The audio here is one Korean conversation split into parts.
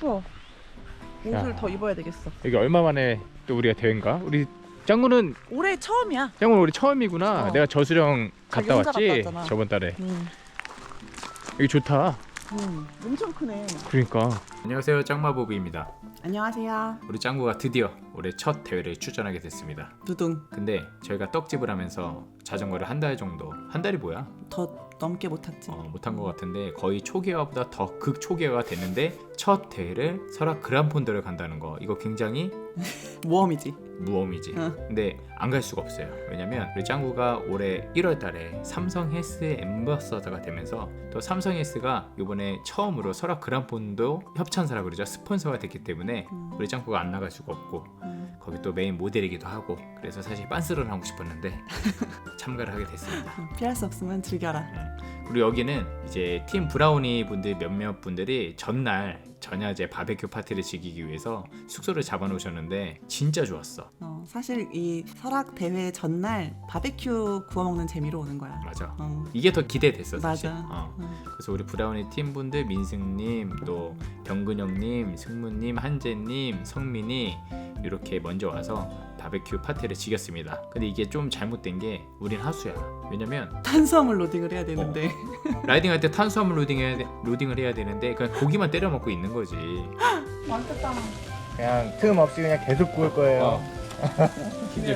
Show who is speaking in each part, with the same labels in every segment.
Speaker 1: 추워. 옷을
Speaker 2: 야.
Speaker 1: 더 입어야 되겠어.
Speaker 2: 여기 얼마 만에 또 우리가 대회인가? 우리 짱구는
Speaker 1: 올해 처음이야.
Speaker 2: 우리 처음이구나.
Speaker 1: 어.
Speaker 2: 내가 저수령
Speaker 1: 자기
Speaker 2: 갔다
Speaker 1: 혼자
Speaker 2: 왔지
Speaker 1: 갔다 왔잖아.
Speaker 2: 저번 달에.
Speaker 1: 응.
Speaker 2: 여기 좋다.
Speaker 1: 엄청 크네.
Speaker 2: 그러니까. 안녕하세요, 짱마보비입니다.
Speaker 1: 안녕하세요.
Speaker 2: 우리 짱구가 드디어 올해 첫 대회를 출전하게 됐습니다.
Speaker 1: 두둥.
Speaker 2: 근데 저희가 떡집을 하면서 자전거를 한 달 정도, 한 달이 뭐야?
Speaker 1: 더 넘게 못 탔지.
Speaker 2: 못한 것 같은데 거의 초기화보다 더 극초기화가 됐는데 첫 대회를 설악 그란폰도를 간다는 거, 이거 굉장히
Speaker 1: 모험이지.
Speaker 2: 무험이지.
Speaker 1: 어.
Speaker 2: 근데 안 갈 수가 없어요. 왜냐면 우리 짱구가 올해 1월 달에 삼성 헬스의 앰버서더가 되면서 또 삼성 헬스가 이번에 처음으로 설악 그란폰도 협찬사라 그러죠. 스폰서가 됐기 때문에 우리 짱구가 안 나갈 수가 없고 거기 또 메인 모델이기도 하고, 그래서 사실 빤스런 하고 싶었는데 참가를 하게 됐습니다.
Speaker 1: 피할 수 없으면 즐겨라.
Speaker 2: 그리고 여기는 이제 팀 브라우니 분들 몇몇 분들이 전날 전야제 바베큐 파티를 즐기기 위해서 숙소를 잡아놓으셨는데 진짜 좋았어.
Speaker 1: 사실 이 설악 대회 전날 바베큐 구워 먹는 재미로 오는 거야.
Speaker 2: 맞아. 이게 더 기대됐어 사실.
Speaker 1: 맞아.
Speaker 2: 그래서 우리 브라우니 팀분들 민승님, 또 병근영님, 승무님, 한재님, 성민이 이렇게 먼저 와서 바베큐 파티를 즐겼습니다. 근데 이게 좀 잘못된 게 우린 하수야. 왜냐면
Speaker 1: 탄수화물 로딩을 해야 되는데
Speaker 2: 라이딩할 때 탄수화물 로딩을 해야 되는데 그냥 고기만 때려 먹고 있는 거지.
Speaker 1: 많겠다.
Speaker 3: 그냥 틈 없이 그냥 계속 구울 거예요.
Speaker 2: 힘들어.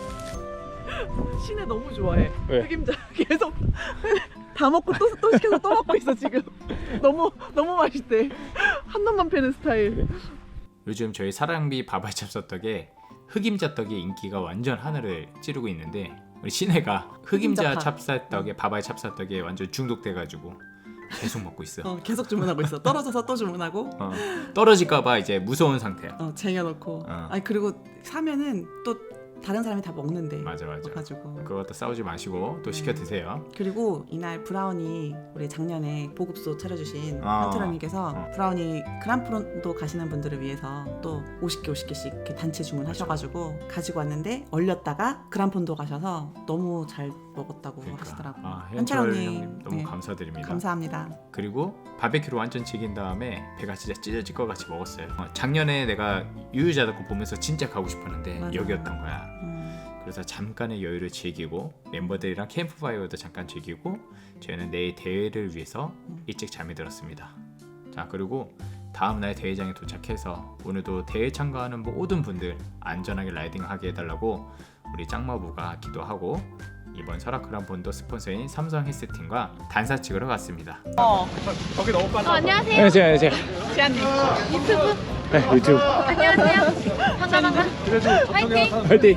Speaker 1: 신혜 너무 좋아해.
Speaker 2: 왜?
Speaker 1: 흑임자 계속 다 먹고 또 시켜서 또 먹고 있어 지금. 너무 맛있대. 한 놈만 패는 스타일.
Speaker 2: 요즘 저희 사랑비 바바이 찹쌀떡에 흑임자 떡의 인기가 완전 하늘을 찌르고 있는데 우리 신혜가 흑임자
Speaker 1: 흑임자파.
Speaker 2: 찹쌀떡에 바바이 찹쌀떡에 완전 중독돼가지고 계속 먹고 있어.
Speaker 1: 계속 주문하고 있어. 떨어져서 또 주문하고.
Speaker 2: 떨어질까봐 이제 무서운 상태야.
Speaker 1: 쟁여놓고. 아니 그리고 사면은 또 다른 사람이 다 먹는데.
Speaker 2: 맞아.
Speaker 1: 가지고.
Speaker 2: 그것도 싸우지 마시고 또 시켜 드세요.
Speaker 1: 그리고 이날 브라우니 우리 작년에 보급소 차려주신
Speaker 2: 아.
Speaker 1: 한트런님께서 브라우니 그란프론도 가시는 분들을 위해서 또 50개씩 이렇게 단체 주문하셔가지고 가지고 왔는데 얼렸다가 그란폰도 가셔서 너무 잘 먹었다고 하시더라고요.
Speaker 2: 현철
Speaker 1: 한철
Speaker 2: 형님 너무 감사드립니다.
Speaker 1: 감사합니다.
Speaker 2: 그리고 바베큐로 완전 즐긴 다음에 배가 진짜 찢어질 것 같이 먹었어요. 작년에 내가 유유자덕고 보면서 진짜 가고 싶었는데
Speaker 1: 맞아.
Speaker 2: 여기였던 거야. 그래서 잠깐의 여유를 즐기고 멤버들이랑 캠프파이어도 잠깐 즐기고 저희는 내일 대회를 위해서 일찍 잠이 들었습니다. 자, 그리고 다음날 대회장에 도착해서 오늘도 대회 참가하는 모든 분들 안전하게 라이딩하게 해달라고 우리 짱마부가 기도하고 이번 설악 그란폰도 스폰서인 삼성 헬스팀과 단사 찍으러 갔습니다.
Speaker 3: 거기 너무 빨라.
Speaker 4: 안녕하세요.
Speaker 2: 안녕하세요.
Speaker 1: 지안님
Speaker 4: 유튜브.
Speaker 2: 네, 유튜브
Speaker 4: 안녕하세요. 반갑습니다. 화이팅.
Speaker 2: 화이팅!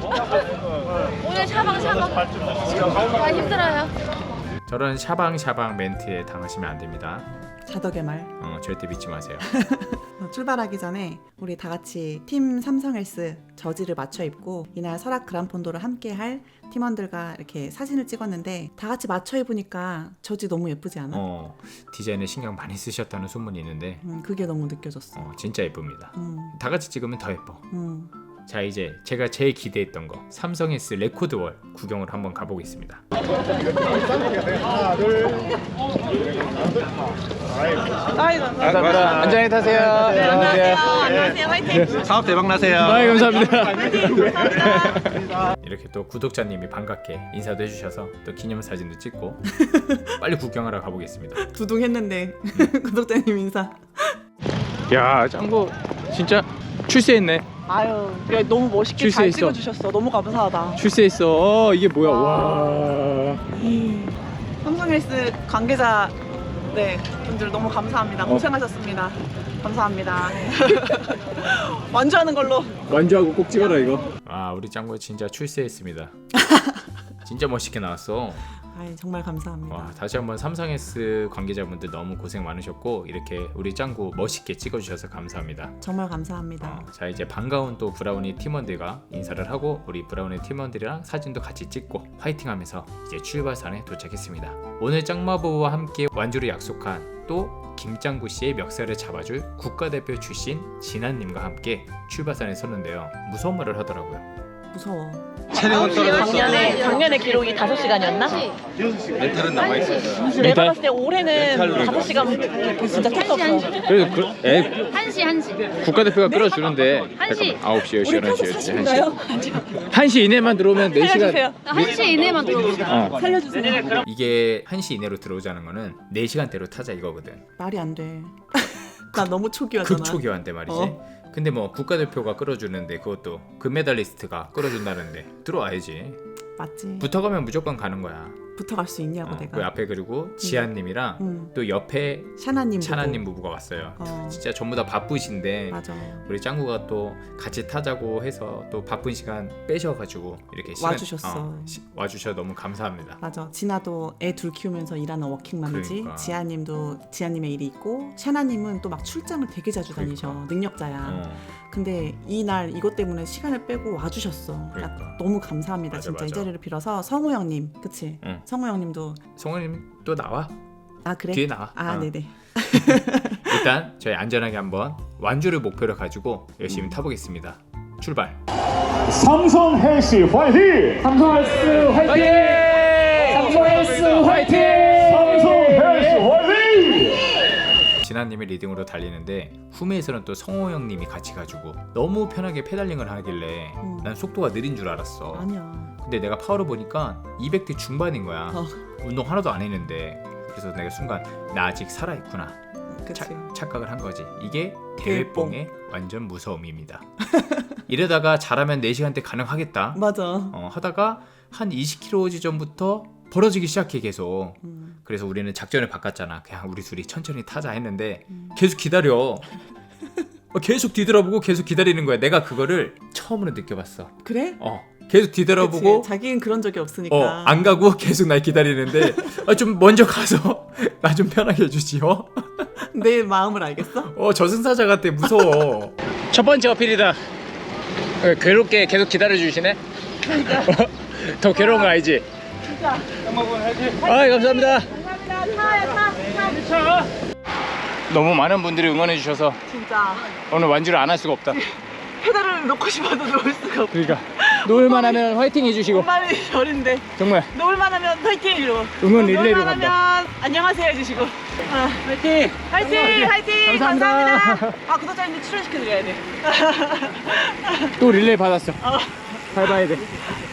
Speaker 4: 오늘 샤방샤방. 아 힘들어요.
Speaker 2: 저런 샤방샤방 멘트에 당하시면 안 됩니다.
Speaker 1: 자덕의 말.
Speaker 2: 절대 믿지 마세요.
Speaker 1: 출발하기 전에 우리 다 같이 팀 삼성헬스 저지를 맞춰 입고 이날 설악 그란폰도를 함께 할 팀원들과 이렇게 사진을 찍었는데 다 같이 맞춰 입으니까 저지 너무 예쁘지 않아?
Speaker 2: 디자인에 신경 많이 쓰셨다는 소문이 있는데
Speaker 1: 그게 너무 느껴졌어.
Speaker 2: 진짜 예쁩니다.
Speaker 1: 음,
Speaker 2: 다 같이 찍으면 더 예뻐.
Speaker 1: 음.
Speaker 2: 자, 이제 제가 제일 기대했던 거 삼성 헬스 레코드월 구경을 한번 가보겠습니다.
Speaker 3: 하나, 둘.
Speaker 2: 안전히 타세요.
Speaker 1: 안녕하세요. 화이팅.
Speaker 3: 사업 대박 나세요.
Speaker 2: 감사합니다. 이렇게 또 구독자님이 반갑게 인사도 해주셔서 또 기념사진도 찍고 빨리 구경하러 가보겠습니다.
Speaker 1: 두둥했는데 구독자님 인사.
Speaker 2: 야, 짱구 진짜 출세했네.
Speaker 1: 아유, 야, 너무 멋있게 잘
Speaker 2: 출세했어.
Speaker 1: 찍어주셨어. 너무 감사하다.
Speaker 2: 출세했어. 이게 뭐야? 와.
Speaker 1: 삼성헬스 관계자 분들 너무 감사합니다. 고생하셨습니다. 감사합니다. 완주하는 걸로.
Speaker 2: 완주하고 꼭 찍어라 이거. 우리 짱구 진짜 출세했습니다. 진짜 멋있게 나왔어.
Speaker 1: 아이, 정말 감사합니다.
Speaker 2: 다시 한번 삼성 헬스 관계자분들 너무 고생 많으셨고 이렇게 우리 짱구 멋있게 찍어주셔서 감사합니다.
Speaker 1: 정말 감사합니다.
Speaker 2: 자, 이제 반가운 또 브라우니 팀원들과 인사를 하고 우리 브라우니 팀원들이랑 사진도 같이 찍고 화이팅하면서 이제 출발선에 도착했습니다. 오늘 짱마보와 함께 완주를 약속한 또 김짱구 씨의 멱살을 잡아줄 국가대표 출신 진한님과 함께 출발선에 섰는데요. 무서운 말을 하더라고요.
Speaker 1: 무서워.
Speaker 5: 작년에 기록이 5시간이었나?
Speaker 6: 멘탈은 남아있어.
Speaker 5: 내가 봤을 때 올해는 5시간 진짜 택도 없어.
Speaker 2: 그래도
Speaker 4: 1시.
Speaker 2: 국가대표가 끌어주는데
Speaker 4: 1시.
Speaker 2: 9시, 10시, 11시, 12시,
Speaker 5: 인가요?
Speaker 2: 1시 이내만 들어오면 4시간.
Speaker 5: 살려주세요.
Speaker 4: 1시 이내만 들어옵니다.
Speaker 5: 살려주세요.
Speaker 2: 이게 1시 이내로 들어오자는 거는 4시간대로 타자 이거거든.
Speaker 1: 말이 안 돼. 나 너무 초기화잖아.
Speaker 2: 극초기화인데 말이지. 근데 뭐 국가대표가 끌어주는데 그것도 금메달리스트가 끌어준다는데 들어와야지.
Speaker 1: 맞지.
Speaker 2: 붙어가면 무조건 가는 거야.
Speaker 1: 붙어갈 수 있냐고 내가.
Speaker 2: 그 앞에 그리고 지한님이랑
Speaker 1: 응.
Speaker 2: 또 옆에
Speaker 1: 샤나님.
Speaker 2: 차나님 부부가 왔어요.
Speaker 1: 어.
Speaker 2: 진짜 전부 다 바쁘신데
Speaker 1: 맞아.
Speaker 2: 우리 짱구가 또 같이 타자고 해서 또 바쁜 시간 빼셔가지고 이렇게
Speaker 1: 와주셨어.
Speaker 2: 와주셔서 너무 감사합니다.
Speaker 1: 맞아. 진아도 애 둘 키우면서 일하는 워킹맘이지.
Speaker 2: 그러니까.
Speaker 1: 지아님도 지아님의 일이 있고 샤나님은 또 막 출장을 되게 자주 다니셔.
Speaker 2: 그러니까.
Speaker 1: 능력자야. 근데 이날 이것 때문에 시간을 빼고 와주셨어.
Speaker 2: 그러니까.
Speaker 1: 너무 감사합니다.
Speaker 2: 맞아,
Speaker 1: 진짜 이
Speaker 2: 맞아.
Speaker 1: 자리를 빌어서 성우 형님, 그치?
Speaker 2: 응.
Speaker 1: 성우 형님도
Speaker 2: 성우님 또 나와.
Speaker 1: 아 그래?
Speaker 2: 뒤에 나와.
Speaker 1: 아 네네.
Speaker 2: 일단 저희 안전하게 한번 완주를 목표로 가지고 열심히 타보겠습니다. 출발.
Speaker 3: 삼성 헬스 화이팅! 삼성 헬스 화이팅! 삼성 헬스 화이팅! 삼성 헬스 화이팅!
Speaker 2: 진아님이 리딩으로 달리는데 후메에서는 또 성호 형님이 같이 가지고 너무 편하게 페달링을 하길래 난 속도가 느린 줄 알았어.
Speaker 1: 아니야.
Speaker 2: 근데 내가 파워를 보니까 200대 중반인 거야.
Speaker 1: 어.
Speaker 2: 운동 하나도 안 했는데. 그래서 내가 순간 나 아직 살아있구나
Speaker 1: 그치.
Speaker 2: 착각을 한 거지. 이게 대회뽕의 완전 무서움입니다. 이러다가 잘하면 4시간대 가능하겠다
Speaker 1: 맞아.
Speaker 2: 하다가 한 20km 지점부터 벌어지기 시작해 계속. 그래서 우리는 작전을 바꿨잖아. 그냥 우리 둘이 천천히 타자 했는데 계속 기다려. 계속 뒤돌아보고 계속 기다리는 거야. 내가 그거를 처음으로 느껴봤어.
Speaker 1: 그래?
Speaker 2: 계속 뒤돌아보고
Speaker 1: 그치. 자기는 그런 적이 없으니까.
Speaker 2: 안 가고 계속 날 기다리는데 좀 먼저 가서 나 좀 편하게 해주지요.
Speaker 1: 내 마음을 알겠어?
Speaker 2: 저승사자 같아. 무서워. 첫 번째 어필이다. 괴롭게 계속 기다려주시네. 더 괴로운 거 알지?
Speaker 5: 진짜.
Speaker 2: 감사합니다.
Speaker 5: 감사합니다.
Speaker 2: 너무 많은 분들이 응원해 주셔서
Speaker 5: 진짜.
Speaker 2: 오늘 완주를 안 할 수가 없다.
Speaker 5: 페달을 놓고 싶어도 놓을 수가 없어.
Speaker 2: 그러니까 놓을만 하면 화이팅 해주시고
Speaker 5: 엄마는 별인데
Speaker 2: 정말
Speaker 5: 놓을만 하면 파이팅 이러고
Speaker 2: 응원 릴레이로
Speaker 5: 놓을만
Speaker 2: 간다.
Speaker 5: 하면 안녕하세요 해주시고
Speaker 2: 화이팅!
Speaker 5: 파이팅! 파이팅!
Speaker 2: 감사합니다.
Speaker 5: 구독자님들 출연시켜드려야 돼.
Speaker 2: 또 릴레이 받았어. 밟아야 돼.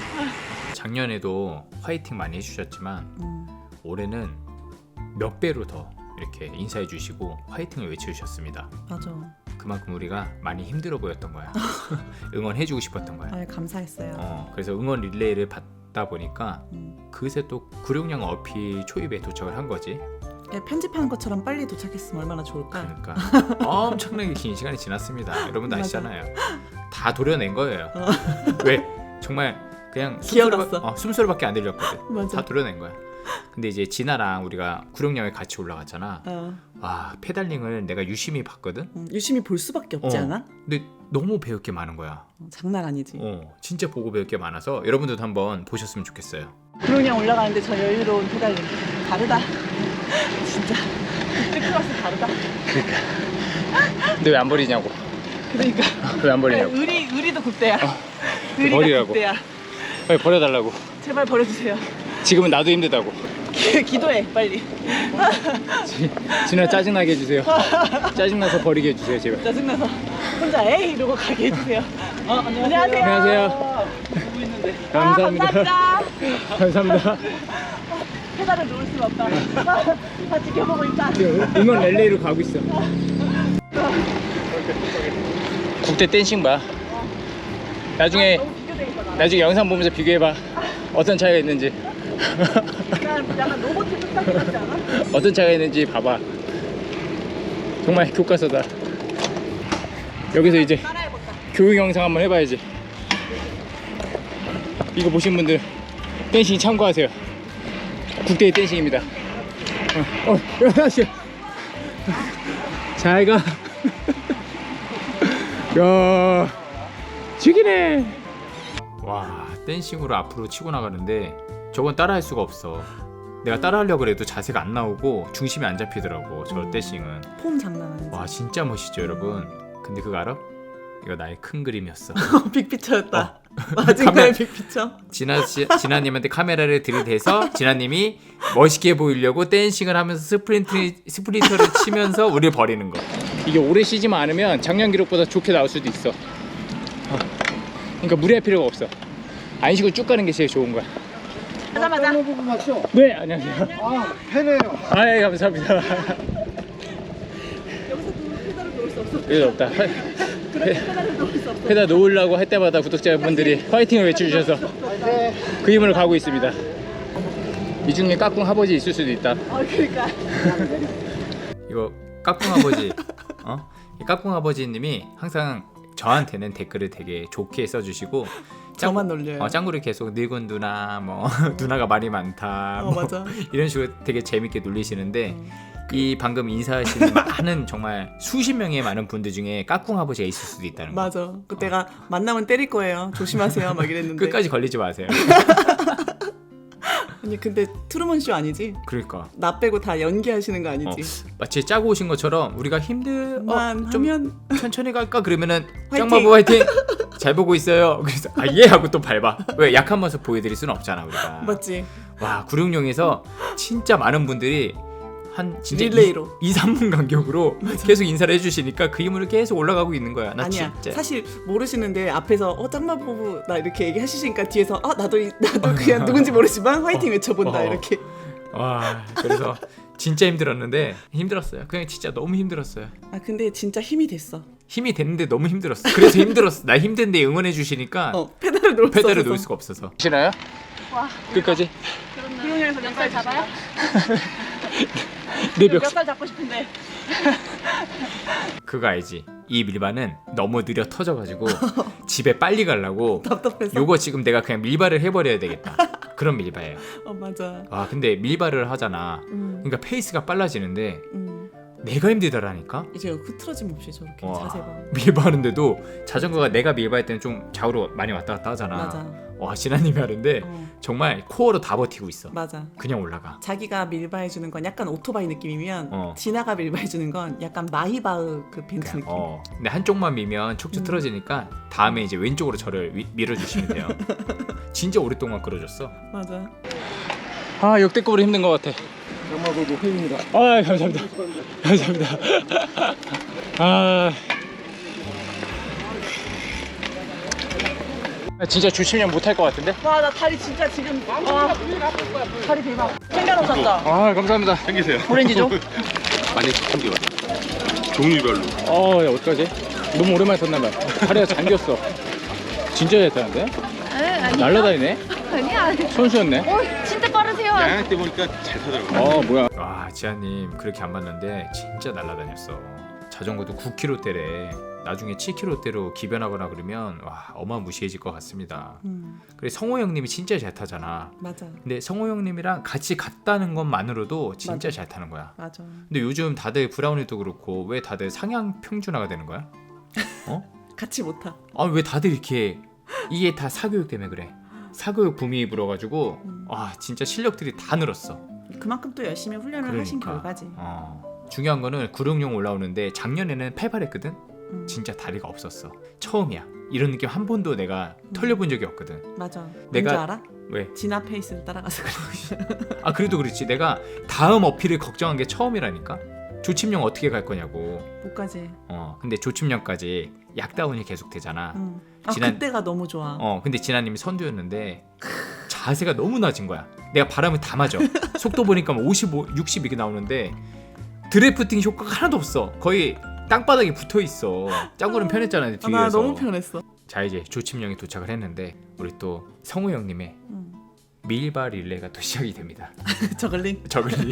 Speaker 2: 작년에도 화이팅 많이 해주셨지만 올해는 몇 배로 더 이렇게 인사해 주시고 화이팅을 외쳐주셨습니다.
Speaker 1: 맞아.
Speaker 2: 그만큼 우리가 많이 힘들어 보였던 거야. 응원해주고 싶었던 거야.
Speaker 1: 아 감사했어요.
Speaker 2: 그래서 응원 릴레이를 받다 보니까 그새 또 구룡령 어피 초입에 도착을 한 거지.
Speaker 1: 편집하는 것처럼 빨리 도착했으면 얼마나 좋을까?
Speaker 2: 그러니까 엄청나게 긴 시간이 지났습니다. 여러분도
Speaker 1: 맞아.
Speaker 2: 아시잖아요. 다 도려낸 거예요. 왜? 정말 그냥
Speaker 1: 기어갔어.
Speaker 2: 숨소리밖에 안 들렸거든.
Speaker 1: 맞아.
Speaker 2: 다 도려낸 거야. 근데 이제 진아랑 우리가 구룡령에 같이 올라갔잖아.
Speaker 1: 어.
Speaker 2: 와, 페달링을 내가 유심히 봤거든.
Speaker 1: 유심히 볼 수밖에 없지 않아?
Speaker 2: 근데 너무 배울 게 많은 거야.
Speaker 1: 장난 아니지.
Speaker 2: 진짜 보고 배울 게 많아서 여러분들도 한번 보셨으면 좋겠어요.
Speaker 5: 구룡령 올라가는데 저 여유로운 페달링 다르다. 진짜 그때 클래스 다르다.
Speaker 2: 근데 왜 안 버리냐고.
Speaker 5: 그러니까
Speaker 2: 왜 안 버리냐고.
Speaker 5: 의리도 국대야. 의리가
Speaker 2: 버리라고.
Speaker 5: 국대야.
Speaker 2: 빨리 버려달라고.
Speaker 5: 제발 버려주세요.
Speaker 2: 지금은 나도 힘들다고.
Speaker 5: 기도해 빨리.
Speaker 2: 진아 짜증나게 해주세요. 짜증나서 버리게 해주세요, 제발.
Speaker 5: 짜증나서 혼자 에이 이러고 가게 해주세요. 안녕하세요.
Speaker 2: 안녕하세요.
Speaker 5: 보고 있는데.
Speaker 2: 감사합니다.
Speaker 5: 감사합니다.
Speaker 2: 감사합니다.
Speaker 5: 페달을 놓을 수가 없다. 다 지켜보고 있다.
Speaker 2: 응원 릴레이로 가고 있어. 국대 댄싱 봐. 나중에
Speaker 5: 너무 비교되니까 나.
Speaker 2: 나중에 영상 보면서 비교해봐. 어떤 차이가 있는지.
Speaker 5: 약간 로봇 뚝딱 같지 않아?
Speaker 2: 어떤 차이가 있는지 봐봐. 정말 교과서다. 여기서 이제
Speaker 5: 따라해볼까?
Speaker 2: 교육 영상 한번 해봐야지. 이거 보신 분들 댄싱 참고하세요. 국대의 댄싱입니다. 연아씨 잘가. 야 죽이네. 와, 댄싱으로 앞으로 치고 나가는데 저건 따라할 수가 없어. 내가 따라하려고 해도 자세가 안 나오고 중심이 안 잡히더라고. 저 댄싱은.
Speaker 1: 폼 장난 아니지.
Speaker 2: 와, 진짜 멋있죠 여러분. 근데 그거 알아? 이거 나의 큰 그림이었어.
Speaker 1: 빅피처였다. 마징가의 빅피처.
Speaker 2: 진아님한테 카메라를 들이대서 진아님이 멋있게 보이려고 댄싱을 하면서 스프린터를 치면서 우리를 버리는 거. 이게 오래 쉬지만 않으면 작년 기록보다 좋게 나올 수도 있어. 그러니까 무리할 필요가 없어. 안 쉬고 쭉 가는 게 제일 좋은 거야.
Speaker 5: 하자마자.
Speaker 2: 네, 안녕하세요.
Speaker 3: 아, 팬이에요.
Speaker 2: 아, 예, 감사합니다. 여기서 없다. 페달 놓으려고 할 때마다 구독자분들이 화이팅을 외쳐주셔서 그 힘으로 가고 있습니다. 이 중에 까꿍 아버지 있을 수도 있다.
Speaker 5: 그러니까.
Speaker 2: 이거 까꿍 아버지, 이 까꿍 아버지님이 항상 저한테는 댓글을 되게 좋게 써주시고
Speaker 1: 저만 놀려요.
Speaker 2: 짱구를 계속 늙은 누나, 뭐 누나가 말이 많다, 뭐
Speaker 1: 맞아.
Speaker 2: 이런 식으로 되게 재밌게 놀리시는데 이 방금 인사하시는 많은 정말 수십 명의 많은 분들 중에 까꿍 아버지가 있을 수도 있다는 거.
Speaker 1: 맞아. 그때가 만나면 때릴 거예요. 조심하세요. 막 이랬는데.
Speaker 2: 끝까지 걸리지 마세요.
Speaker 1: 아니 근데 트루먼 쇼 아니지?
Speaker 2: 그러니까
Speaker 1: 나 빼고 다 연기하시는 거 아니지?
Speaker 2: 마치 짜고 오신 것처럼 우리가 좀
Speaker 1: 하면
Speaker 2: 천천히 갈까 그러면은
Speaker 1: 화이팅!
Speaker 2: 짱마보 화이팅 잘 보고 있어요. 그래서 예 하고 또 밟아. 왜 약한 모습 보여드릴 수는 없잖아 우리가.
Speaker 1: 맞지?
Speaker 2: 와 구룡령에서 진짜 많은 분들이 한 진짜
Speaker 1: 릴레이로
Speaker 2: 2, 3분 간격으로 계속 인사를 해주시니까 그 힘으로 계속 올라가고 있는 거야. 나
Speaker 1: 아니야.
Speaker 2: 진짜
Speaker 1: 사실 모르시는데 앞에서 짱마보부 나 이렇게 얘기하시니까 뒤에서 나도 그냥 누군지 모르지만 화이팅 외쳐본다 이렇게.
Speaker 2: 와 그래서 진짜 힘들었는데 힘들었어요. 그냥 진짜 너무 힘들었어요.
Speaker 1: 아 근데 진짜 힘이 됐어.
Speaker 2: 힘이 됐는데 너무 힘들었어. 그래서 힘들었어. 나 힘든데 응원해 주시니까
Speaker 1: 페달을 놓을
Speaker 2: 페달을
Speaker 1: 수
Speaker 2: 놓을
Speaker 1: 없어서.
Speaker 2: 수가 없어서. 싫어요?
Speaker 4: 와.
Speaker 2: 끝까지?
Speaker 5: 구룡령에서 몇 살 잡아요?
Speaker 2: 내
Speaker 5: 몇 살 잡고 싶은데.
Speaker 2: 그거 알지? 이 밀바는 너무 느려 터져가지고 집에 빨리 가려고
Speaker 1: 답답해서.
Speaker 2: 요거 지금 내가 그냥 밀바를 해버려야 되겠다. 그런 밀바예요.
Speaker 1: 맞아.
Speaker 2: 아 근데 밀바를 하잖아. 그러니까 페이스가 빨라지는데 내가 힘들더라니까.
Speaker 1: 이제 흐트러짐 없이 저렇게
Speaker 2: 와,
Speaker 1: 자세 봐.
Speaker 2: 밀바하는데도 자전거가 내가 밀바할 때는 좀 좌우로 많이 왔다 갔다 하잖아.
Speaker 1: 맞아.
Speaker 2: 와 진아님이 하는데 정말 코어로 다 버티고 있어.
Speaker 1: 맞아.
Speaker 2: 그냥 올라가.
Speaker 1: 자기가 밀바해주는 건 약간 오토바이 느낌이면 진아가 밀바해주는 건 약간 마이바흐 그 벤츠 느낌.
Speaker 2: 근데 한쪽만 밀면 척추 틀어지니까 다음에 이제 왼쪽으로 저를 밀어주시면 돼요. 진짜 오랫동안 끌어줬어.
Speaker 1: 맞아.
Speaker 2: 아 역대급으로 힘든 것 같아.
Speaker 3: 장마보고 회입니다.
Speaker 2: 아 감사합니다. 감사합니다. 아 진짜 주시면 못할 것 같은데?
Speaker 5: 와, 나 다리 진짜 지금 다리 대박. 챙겨놓으셨죠?
Speaker 2: 아 감사합니다.
Speaker 6: 챙기세요.
Speaker 5: 오렌지죠?
Speaker 6: 많이 챙겨. 종류별로.
Speaker 2: 야 어떡하지? 너무 오랜만에 탔나봐. 다리가 잠겼어. 진짜 잘 타는데?
Speaker 4: 아니.
Speaker 2: 날라다니네?
Speaker 4: 아니야.
Speaker 2: 선수였네.
Speaker 4: 진짜 빠르세요.
Speaker 6: 양양 때 보니까 잘 타더라고요.
Speaker 2: 뭐야? 와 지아님 그렇게 안 봤는데 진짜 날라다녔어. 자전거도 9km대래. 나중에 7km대로 기변하거나 그러면 와 어마무시해질 것 같습니다. 그래 성호 형님이 진짜 잘 타잖아.
Speaker 1: 맞아.
Speaker 2: 근데 성호 형님이랑 같이 갔다는 것만으로도 진짜
Speaker 1: 맞아.
Speaker 2: 잘 타는 거야.
Speaker 1: 맞아.
Speaker 2: 근데 요즘 다들 브라우니도 그렇고 왜 다들 상향 평준화가 되는 거야?
Speaker 1: 같이 못 타.
Speaker 2: 왜 다들 이렇게 이게 다 사교육 때문에 그래. 사교육 붐이 불어가지고 진짜 실력들이 다 늘었어.
Speaker 1: 그만큼 또 열심히 훈련을 하신 결과지.
Speaker 2: 중요한 거는 구룡령 올라오는데 작년에는 팔팔했거든. 진짜 다리가 없었어. 처음이야. 이런 느낌 한 번도 내가 털려본 적이 없거든.
Speaker 1: 맞아.
Speaker 2: 내가-
Speaker 1: 뭔지 알아?
Speaker 2: 왜?
Speaker 1: 진아 페이스를 따라가서 그래.
Speaker 2: 그래도 그렇지. 내가 다음 어필을 걱정한 게 처음이라니까. 조침령 어떻게 갈 거냐고.
Speaker 1: 못 가지.
Speaker 2: 근데 조침령까지 약다운이 계속 되잖아.
Speaker 1: 그때가 너무 좋아.
Speaker 2: 근데 진아님이 선두였는데 자세가 너무 낮은 거야. 내가 바람을 다 맞아. 속도 보니까 55, 60 이게 나오는데 드래프팅 효과가 하나도 없어. 거의 땅바닥에 붙어 있어. 짱구는 편했잖아 뒤에서.
Speaker 1: 나 너무 편했어.
Speaker 2: 자 이제 조침령이 도착을 했는데 우리 또 성우 형님의 밀바 릴레이가 또 시작이 됩니다.
Speaker 1: 저글링.
Speaker 2: 저글리.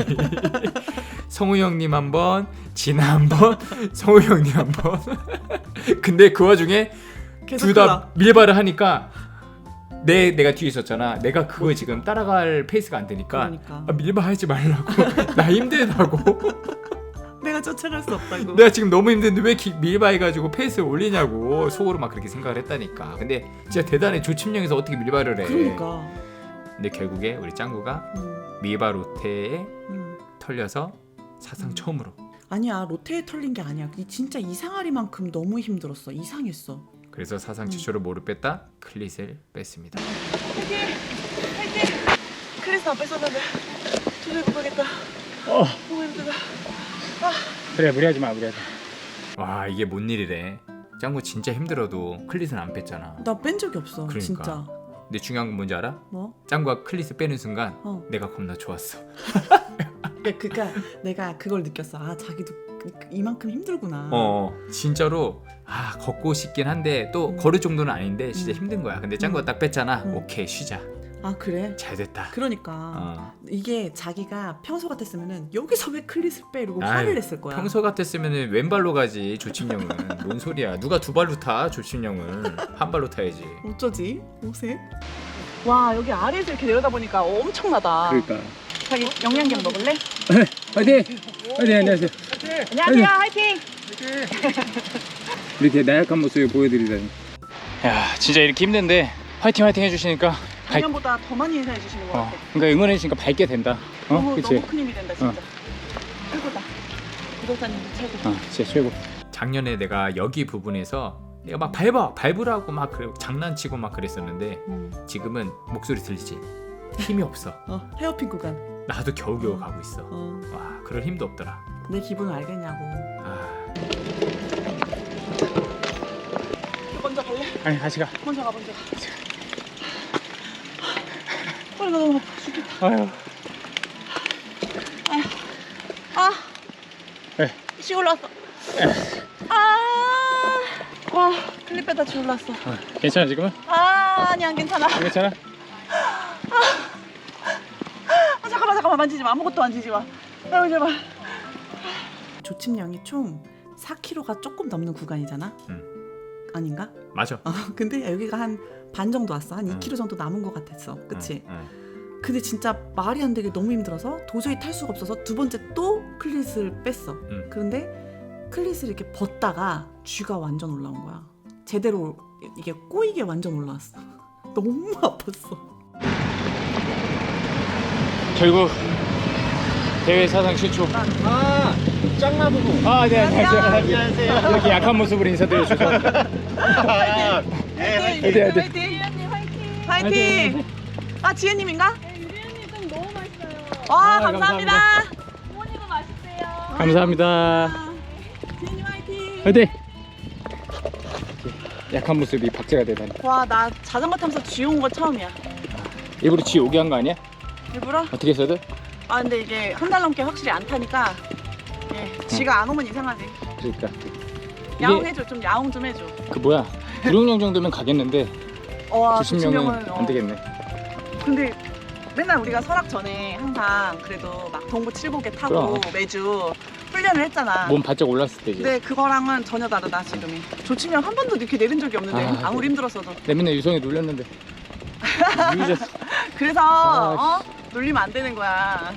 Speaker 2: 성우 형님 한번, 진아 한번, 성우 형님 한번. 근데 그 와중에 둘 다 밀바를 하니까 내가 뒤에 있었잖아. 내가 그거 지금 따라갈 페이스가 안 되니까
Speaker 1: 그러니까.
Speaker 2: 밀바 하지 말라고. 나 힘들다고.
Speaker 1: 내가 쫓아갈 수 없다고.
Speaker 2: 내가 지금 너무 힘든데 왜 밀바 해가지고 페이스를 올리냐고 속으로 막 그렇게 생각을 했다니까. 근데 진짜 대단해. 조침령에서 어떻게 밀바를 해.
Speaker 1: 그러니까.
Speaker 2: 근데 결국에 우리 짱구가 밀바 로테에 털려서 사상 처음으로.
Speaker 1: 아니야 롯데에 털린 게 아니야. 진짜 이상하리만큼 너무 힘들었어. 이상했어.
Speaker 2: 그래서 사상 최초로 뭐를 뺐다? 클릿을 뺐습니다.
Speaker 5: 클래스 안 뺐었는데 도저히 못 가겠다. 너무 힘들다.
Speaker 7: 그래 무리하지 마 무리하지 마.
Speaker 2: 와 이게 뭔 일이래. 짱구 진짜 힘들어도 클릿은 안 뺐잖아.
Speaker 1: 나 뺀 적이 없어.
Speaker 2: 그러니까.
Speaker 1: 진짜.
Speaker 2: 근데 중요한 건 뭔지 알아?
Speaker 1: 뭐?
Speaker 2: 짱구가 클릿을 빼는 순간
Speaker 1: 어.
Speaker 2: 내가 겁나 좋았어.
Speaker 1: 그러니까 내가 그걸 느꼈어. 아 자기도 이만큼 힘들구나.
Speaker 2: 진짜로 걷고 싶긴 한데 또 걸을 정도는 아닌데 진짜 힘든 거야. 근데 짱구가 딱 뺐잖아.
Speaker 1: 음.
Speaker 2: 오케이 쉬자.
Speaker 1: 아 그래?
Speaker 2: 잘 됐다.
Speaker 1: 그러니까 이게 자기가 평소 같았으면은 여기서 왜 클릿을 빼 이러고
Speaker 2: 아유,
Speaker 1: 화를 냈을 거야.
Speaker 2: 평소 같았으면 왼발로 가지 조침령은. 뭔 소리야. 누가 두 발로 타 조침령은. 한 발로 타야지.
Speaker 1: 어쩌지? 옷에?
Speaker 5: 와 여기 아래에서 이렇게 내려다 보니까 엄청나다.
Speaker 7: 그러니까.
Speaker 5: 자기 영양갱 먹을래?
Speaker 7: 화이팅! 화이팅 안녕하세요.
Speaker 5: 안녕하세요. 화이팅.
Speaker 7: 이렇게 나약한 모습을 보여드리다니. 야 진짜 이렇게 힘든데 화이팅 해주시니까
Speaker 5: 작년보다 더 많이 인사해 주시는 것 같아.
Speaker 7: 그러니까 응원해 주시니까 밝게 된다.
Speaker 5: 너무
Speaker 7: 그치?
Speaker 5: 너무 큰 힘이 된다 진짜. 최고다. 구독자님 최고.
Speaker 7: 진짜 최고.
Speaker 2: 작년에 내가 여기 부분에서 내가 막 밟으라고 막 장난치고 막 그랬었는데 지금은 목소리 들리지? 힘이 없어.
Speaker 1: 헤어핀 구간.
Speaker 2: 나도 겨우겨우 가고 있어. 와 그럴 힘도 없더라.
Speaker 1: 내 기분을 알겠냐고.
Speaker 5: 먼저 갈래?
Speaker 7: 아니 같이 가.
Speaker 5: 먼저 가. 빨리 가. 너무 아파 죽겠다.
Speaker 7: 아유. 네.
Speaker 5: 씨 올라왔어. 와 클립 빼다 쥐 올라왔어.
Speaker 7: 괜찮아 지금은?
Speaker 5: 아니 안 괜찮아.
Speaker 7: 안 괜찮아?
Speaker 5: 잠깐만 만지지 마. 아무것도 만지지 마. 아유 제발.
Speaker 1: 조침량이 총 4kg가 조금 넘는 구간이잖아. 아닌가?
Speaker 2: 맞아.
Speaker 1: 근데 여기가 한 반 정도 왔어. 한 2kg 정도 남은 것 같았어. 그치? 근데 진짜 말이 안 되게 너무 힘들어서 도저히 탈 수가 없어서 두 번째 또 클릿을 뺐어. 그런데 클릿을 이렇게 벗다가 쥐가 완전 올라온 거야. 제대로 이게 꼬이게 완전 올라왔어. 너무 아팠어.
Speaker 7: 결국 대회 사상 최초.
Speaker 3: 짱나 부부.
Speaker 7: 네 안녕하세요. 이렇게 약한 모습으로 인사드려 주셔서. 화이팅.
Speaker 5: 화이팅. 아 지혜님인가?
Speaker 4: 유리언니 좀 너무 맛있어요.
Speaker 5: 와 감사합니다.
Speaker 4: 부모님은 맛있대요.
Speaker 7: 감사합니다.
Speaker 5: 지혜님 화이팅.
Speaker 7: 화이팅. 약한 모습이 박제가 되다니.
Speaker 5: 와 나 자전거 타면서 쥐 온 거 처음이야.
Speaker 7: 일부러 쥐 오게 한 거 아니야?
Speaker 5: 일부러?
Speaker 7: 어떻게 해서든?
Speaker 5: 아 근데 이게 한 달 넘게 확실히 안 타니까 쥐가 안 오면 이상하지.
Speaker 7: 그러니까.
Speaker 5: 야옹해줘. 좀 야옹 좀 해줘.
Speaker 7: 그 뭐야? 구룡령 정도면 가겠는데
Speaker 5: 와
Speaker 7: 조심령은 안 되겠네.
Speaker 5: 근데 맨날 우리가 설악 전에 항상 그래도 막 동부 7곡에 타고
Speaker 7: 그럼.
Speaker 5: 매주 훈련을 했잖아.
Speaker 7: 몸 바짝 올랐을 때지.
Speaker 5: 근데 그거랑은 전혀 다르다 지금이. 조치명 한 번도 이렇게 내린 적이 없는데 아무리 힘들었어도.
Speaker 7: 내 맨날 유성이 눌렸는데. 유의졌어.
Speaker 5: 그래서 놀리면 안 되는 거야.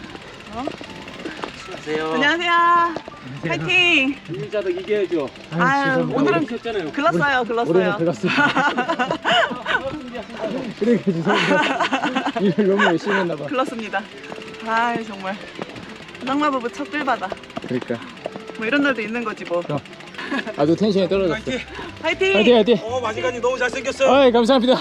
Speaker 3: 안녕하세요.
Speaker 5: 안녕하세요. 파이팅.
Speaker 3: 유자도 이겨야죠.
Speaker 5: 아유 오늘은
Speaker 3: 셨잖아요.
Speaker 5: 글렀어요.
Speaker 7: 올해는 들었어. 그러니까 죄송합니다. 일을 너무 열심히 했나 봐.
Speaker 5: 글렀습니다. 아유 정말 낭마 부부 첫 끌바다.
Speaker 7: 그러니까.
Speaker 5: 뭐 이런 날도 있는 거지 뭐.
Speaker 7: 아주 텐션이 떨어졌어.
Speaker 5: 파이팅.
Speaker 7: 화이팅.
Speaker 3: 마지간이 너무 잘생겼어요.
Speaker 7: 아이 감사합니다.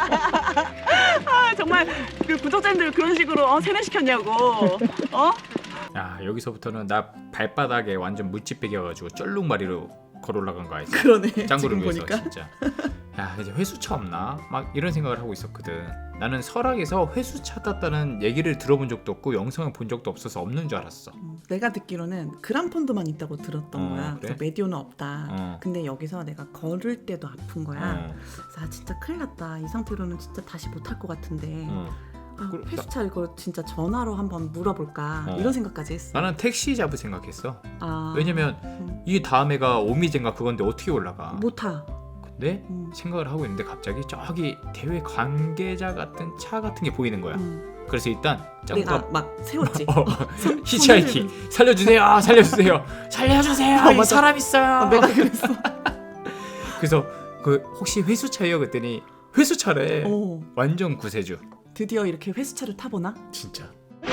Speaker 5: 아 정말 그 구독자님들 그런 식으로 세뇌시켰냐고.
Speaker 2: 야 여기서부터는 나 발바닥에 완전 물집 베겨가지고 쩔룩마리로 걸어 올라간 거 알지?
Speaker 1: 그러네.
Speaker 2: 짱구를
Speaker 1: 지금
Speaker 2: 위해서
Speaker 1: 보니까.
Speaker 2: 진짜. 야 이제 회수차 없나? 막 이런 생각을 하고 있었거든. 나는 설악에서 회수차 탔다는 얘기를 들어본 적도 없고 영상을 본 적도 없어서 없는 줄 알았어.
Speaker 1: 내가 듣기로는 그란폰도만 있다고 들었던 거야.
Speaker 2: 그래?
Speaker 1: 그래서 메디오는 없다. 근데 여기서 내가 걸을 때도 아픈 거야. 그래서 아 진짜 큰일 났다. 이 상태로는 진짜 다시 못할 것 같은데 회수차 이거 진짜 전화로 한번 물어볼까 이런 생각까지 했어.
Speaker 2: 나는 택시 잡을 생각했어.
Speaker 1: 아,
Speaker 2: 왜냐면 이 다음 해가 오미젠가 그건데 어떻게 올라가?
Speaker 1: 못 타.
Speaker 2: 근데 생각을 하고 있는데 갑자기 저기 대회 관계자 같은 차 같은 게 보이는 거야. 그래서 일단
Speaker 1: 내가
Speaker 2: 짱구가
Speaker 1: 막 세웠지.
Speaker 2: 히치하이킹 살려주세요, 살려주세요, 살려주세요. 이
Speaker 1: 맞아.
Speaker 2: 사람 있어요.
Speaker 1: 내가 그랬어.
Speaker 2: 그래서 그 혹시 회수차예요? 그랬더니 회수차래.
Speaker 1: 오,
Speaker 2: 완전 구세주.
Speaker 1: 드디어 이렇게 회수차를 타보나?
Speaker 2: 진짜.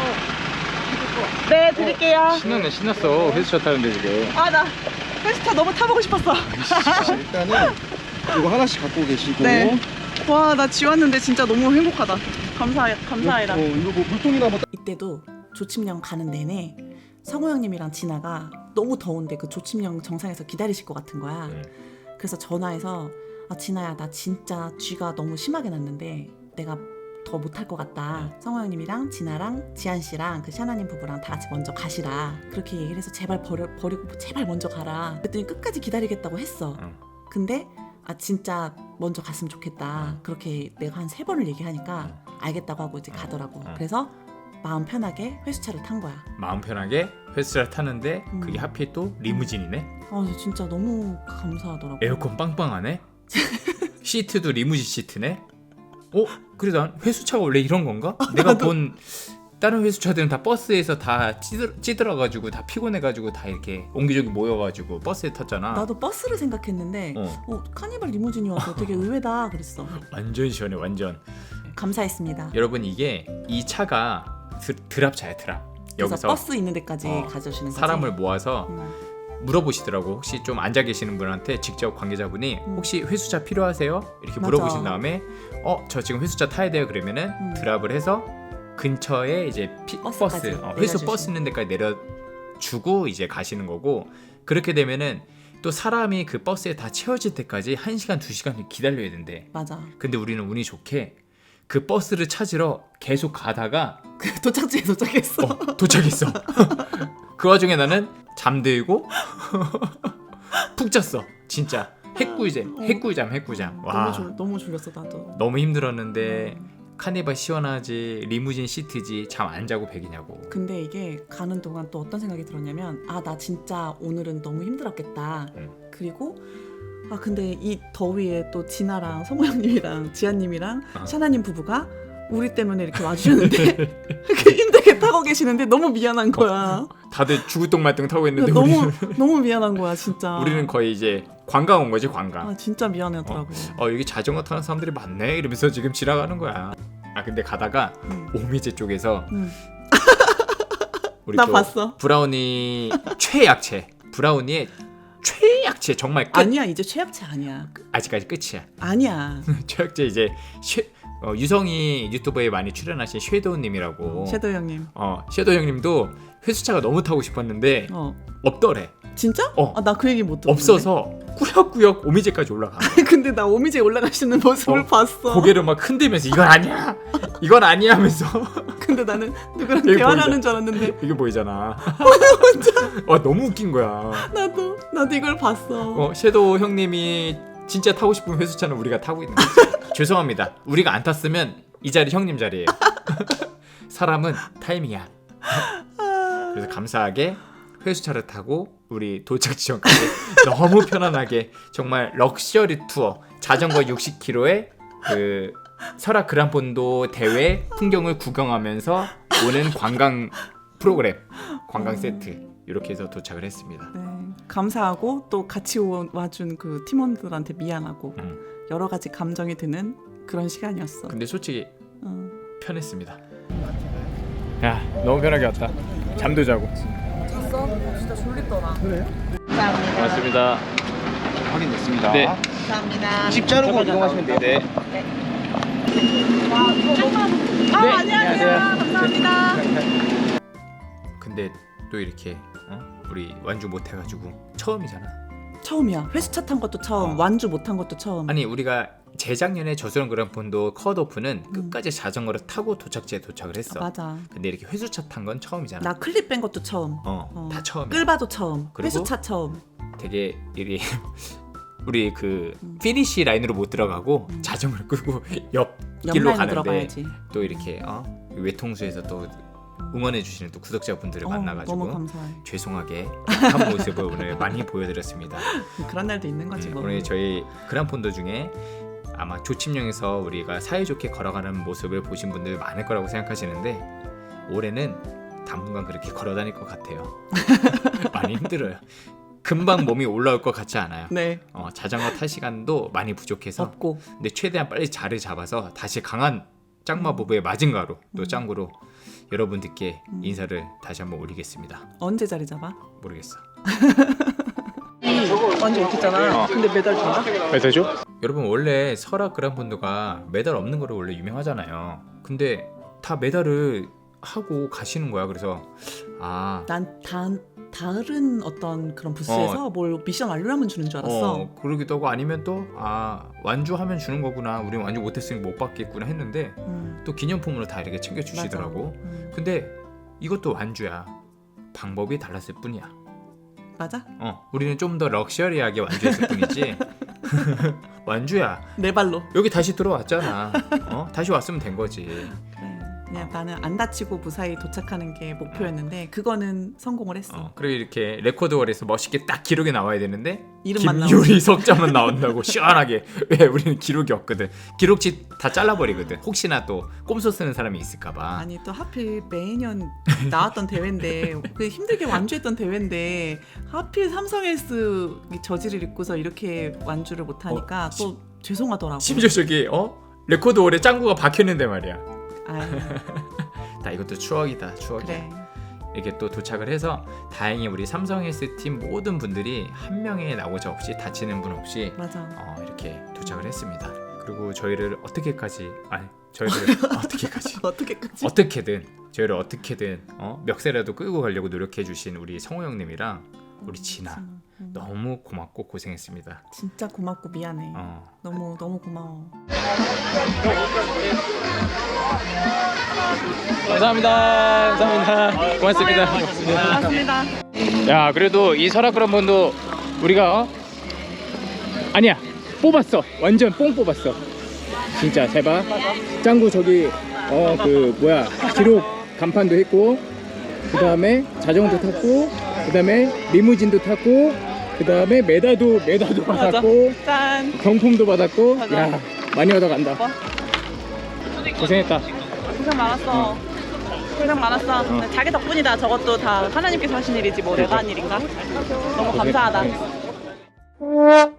Speaker 5: 네 드릴게요.
Speaker 7: 신났어. 회수차 타는데 지금.
Speaker 5: 아 나 회수차 너무 타보고 싶었어.
Speaker 3: 일단은 이거 하나씩 갖고 계시고.
Speaker 5: 네. 와, 나 지웠는데 진짜 너무 행복하다. 감사해라.
Speaker 3: 이거 뭐 물통이나 뭐.
Speaker 1: 이때도 조침령 가는 내내 성호 형님이랑 진아가 너무 더운데 그 조침령 정상에서 기다리실 것 같은 거야. 그래서 전화해서 진아야 나 진짜 쥐가 너무 심하게 났는데 내가 더 못할 것 같다. 성호 형님이랑 진아랑 지한 씨랑 그 샤나님 부부랑 다 같이 먼저 가시라. 그렇게 얘기를 해서 제발 버리고 제발 먼저 가라. 그랬더니 끝까지 기다리겠다고 했어. 근데 진짜 먼저 갔으면 좋겠다. 그렇게 내가 한 3번을 얘기하니까 알겠다고 하고 이제 가더라고. 그래서 마음 편하게 회수차를 탄 거야.
Speaker 2: 마음 편하게 회수차를 타는데 그게 하필 또 리무진이네.
Speaker 1: 진짜 너무 감사하더라고.
Speaker 2: 에어컨 빵빵하네. 시트도 리무진 시트네. 그래도 난 회수차가 원래 이런 건가? 내가 본 다른 회수차들은 다 버스에서 다 찌들어가지고 다 피곤해가지고 다 이렇게 옹기종기 모여가지고 버스에 탔잖아.
Speaker 1: 나도 버스를 생각했는데 카니발 리무진이어서 되게 의외다 그랬어.
Speaker 2: 완전 시원해 완전.
Speaker 1: 감사했습니다.
Speaker 2: 여러분 이게 이 차가 드랍차야 드랍.
Speaker 1: 그래서
Speaker 2: 여기서
Speaker 1: 버스 있는 데까지 가져오시는 거지.
Speaker 2: 사람을 모아서 물어보시더라고. 혹시 좀 앉아 계시는 분한테 직접 관계자분이 혹시 회수차 필요하세요? 이렇게
Speaker 1: 맞아.
Speaker 2: 물어보신 다음에 저 지금 회수차 타야 돼요 그러면은 드랍을 해서 근처에 이제
Speaker 1: 버스까지
Speaker 2: 회수 버스 있는 데까지 내려주고 이제 가시는 거고, 그렇게 되면은 또 사람이 그 버스에 다 채워질 때까지 1시간 2시간 기다려야 된대.
Speaker 1: 맞아.
Speaker 2: 근데 우리는 운이 좋게 그 버스를 찾으러 계속 가다가
Speaker 1: 그 도착지에 도착했어.
Speaker 2: 도착했어. 그 와중에 나는 잠들고 푹 잤어. 진짜 핵꿀잠. 와,
Speaker 1: 너무 졸렸어 나도.
Speaker 2: 너무 힘들었는데 카니발 시원하지, 리무진 시트지, 잠 안 자고 백이냐고.
Speaker 1: 근데 이게 가는 동안 또 어떤 생각이 들었냐면 나 진짜 오늘은 너무 힘들었겠다. 그리고 근데 이 더위에 또 진아랑 성호 형님이랑 지한님이랑 샤나님 부부가 우리 때문에 이렇게 와주셨는데 이렇게 힘들게 타고 계시는데 너무 미안한 거야.
Speaker 2: 다들 죽을 똥말똥 타고 있는데
Speaker 1: 너무 미안한 거야 진짜.
Speaker 2: 우리는 거의 이제 관광 온 거지, 관광.
Speaker 1: 진짜 미안하더라고.
Speaker 2: 여기 자전거 타는 사람들이 많네 이러면서 지금 지나가는 거야. 근데 가다가 오미제 쪽에서 우리
Speaker 1: 나
Speaker 2: 또
Speaker 1: 봤어.
Speaker 2: 브라우니 최약체, 브라우니의 최약체 정말 끝.
Speaker 1: 아니야 이제 최약체 아니야.
Speaker 2: 아직까지 끝이야.
Speaker 1: 아니야.
Speaker 2: 최약체 이제 유성이 유튜브에 많이 출연하신 섀도우님이라고.
Speaker 1: 섀도우 형님.
Speaker 2: 섀도우 형님도 회수차가 너무 타고 싶었는데 없더래.
Speaker 1: 진짜? 나 그 얘기 못 들었는데.
Speaker 2: 없어서 꾸역꾸역 오미제까지 올라가.
Speaker 1: 근데 나 오미제 올라가시는 모습을 봤어.
Speaker 2: 고개를 막 흔들면서 이건 아니야 하면서.
Speaker 1: 근데 나는 누구랑
Speaker 2: 여기
Speaker 1: 대화를
Speaker 2: 보이죠?
Speaker 1: 하는 줄 알았는데
Speaker 2: 이게 보이잖아. 너무 웃긴 거야.
Speaker 1: 나도 이걸 봤어.
Speaker 2: 섀도우 형님이 진짜 타고 싶은 회수차는 우리가 타고 있는 거지. 죄송합니다. 우리가 안 탔으면 이 자리 형님 자리예요. 사람은 타이밍이야. 그래서 감사하게 회수차를 타고 우리 도착 지점까지 너무 편안하게 정말 럭셔리 투어, 자전거 60km에 그 설악 그란폰도 대회 풍경을 구경하면서 오는 관광 프로그램, 관광 세트 이렇게 해서 도착을 했습니다.
Speaker 1: 네, 감사하고 또 같이 와준 그 팀원들한테 미안하고 여러 가지 감정이 드는 그런 시간이었어.
Speaker 2: 근데 솔직히 편했습니다. 야, 너무 편하게 왔다. 잠도 자고.
Speaker 1: 잤어? 진짜 졸립더라.
Speaker 3: 그래?
Speaker 1: 감사합니다.
Speaker 2: 고맙습니다.
Speaker 3: 확인됐습니다.
Speaker 2: 네.
Speaker 1: 감사합니다.
Speaker 3: 집 자르고 이동하시면 돼요.
Speaker 2: 네.
Speaker 1: 안녕하세요. 감사합니다.
Speaker 2: 근데 또 이렇게 우리 완주 못 해가지고 처음이잖아.
Speaker 1: 처음이야. 회수차 탄 것도 처음, 완주 못 한 것도 처음.
Speaker 2: 아니 우리가 재작년에 저수령 그란폰도 컷오프는 끝까지 자전거를 타고 도착지에 도착을 했어.
Speaker 1: 맞아.
Speaker 2: 근데 이렇게 회수차 탄 건 처음이잖아.
Speaker 1: 나 클립 뺀 것도 처음.
Speaker 2: 다 처음이야.
Speaker 1: 끌바도 처음.
Speaker 2: 그리고
Speaker 1: 회수차 처음.
Speaker 2: 되게 우리 그 피니시 라인으로 못 들어가고 자전거를 끌고 옆 길로
Speaker 1: 옆라인으로
Speaker 2: 가는데
Speaker 1: 들어가야지.
Speaker 2: 또 이렇게 외통수에서 또 응원해 주시는 또 구독자분들을 만나가지고
Speaker 1: 너무 감사해.
Speaker 2: 죄송하게 한 모습을 오늘 많이 보여드렸습니다.
Speaker 1: 그런 날도 있는 거지 뭐.
Speaker 2: 오늘 저희 그란폰도 중에 아마 조침령에서 우리가 사이좋게 걸어가는 모습을 보신 분들 많을 거라고 생각하시는데 올해는 당분간 그렇게 걸어다닐 것 같아요. 많이 힘들어요. 금방 몸이 올라올 것 같지 않아요.
Speaker 1: 네.
Speaker 2: 자전거 탈 시간도 많이 부족해서
Speaker 1: 없고.
Speaker 2: 근데 최대한 빨리 자리를 잡아서 다시 강한 짱마 부부의 마징가로 또 짱구로 여러분들께 인사를 다시 한번 올리겠습니다.
Speaker 1: 언제 자리 잡아?
Speaker 2: 모르겠어.
Speaker 5: 완주 못했잖아.
Speaker 7: 어.
Speaker 5: 근데 메달 준다?
Speaker 7: 메달죠?
Speaker 2: 여러분 원래 설악 그란폰도가 메달 없는 거로 원래 유명하잖아요. 근데 다 메달을 하고 가시는 거야. 그래서
Speaker 1: 난 다른 어떤 그런 부스에서 뭘 미션 완료하면 주는 줄 알았어.
Speaker 2: 그러기도 하고 아니면 또 완주하면 주는 거구나. 우린 완주 못했으니 못 받겠구나 했는데 또 기념품으로 다 이렇게 챙겨 주시더라고. 근데 이것도 완주야. 방법이 달랐을 뿐이야.
Speaker 1: 맞아?
Speaker 2: 우리는 좀 더 럭셔리하게 완주했을 뿐이지. 완주야.
Speaker 1: 내 발로.
Speaker 2: 여기 다시 들어왔잖아. 다시 왔으면 된 거지.
Speaker 1: 그래. 그냥 나는 안 다치고 무사히 도착하는 게 목표였는데 그거는 성공을 했어.
Speaker 2: 그리고 이렇게 레코드월에서 멋있게 딱 기록이 나와야 되는데
Speaker 1: 이름만
Speaker 2: 김유리 석자만 나온다고 시원하게. 왜 우리는 기록이 없거든. 기록지 다 잘라버리거든. 혹시나 또 꼼수 쓰는 사람이 있을까봐.
Speaker 1: 아니 또 하필 매년 나왔던 대회인데 그 힘들게 완주했던 대회인데 하필 삼성헬스 저지를 입고서 이렇게 완주를 못하니까 또 죄송하더라고.
Speaker 2: 심지어 저기 레코드월에 짱구가 박혔는데 말이야.
Speaker 1: 아유,
Speaker 2: 다 이것도 추억이다. 추억이야.
Speaker 1: 그래.
Speaker 2: 이렇게 또 도착을 해서 다행히 우리 삼성헬스 팀 모든 분들이 한 명의 낙오자 없이 다치는 분 없이
Speaker 1: 맞아.
Speaker 2: 이렇게 도착을 했습니다. 그리고 저희를 어떻게까지 어떻게든 저희를 어떻게든 멱살이라도 끌고 가려고 노력해 주신 우리 성호 형님이랑 우리 진아 너무 고맙고 고생했습니다.
Speaker 1: 진짜 고맙고 미안해. 너무 고마워.
Speaker 7: 감사합니다. 고맙습니다.
Speaker 5: 고맙습니다.
Speaker 7: 야, 그래도 이 설악 그란폰도 우리가 아니야, 뽑았어. 완전 뽕 뽑았어. 진짜 잘 봐. 짱구 저기 기록 간판도 했고, 그 다음에 자전거도 탔고, 그 다음에 리무진도 탔고, 그 다음에 메달도 받았고,
Speaker 5: 짠.
Speaker 7: 경품도 받았고.
Speaker 5: 맞아.
Speaker 7: 야, 많이 얻어간다. 고생했다.
Speaker 5: 고생 많았어. 고생 많았어. 자기 덕분이다. 저것도 다 하나님께서 하신 일이지 뭐 내가 한 일인가? 너무 감사하다.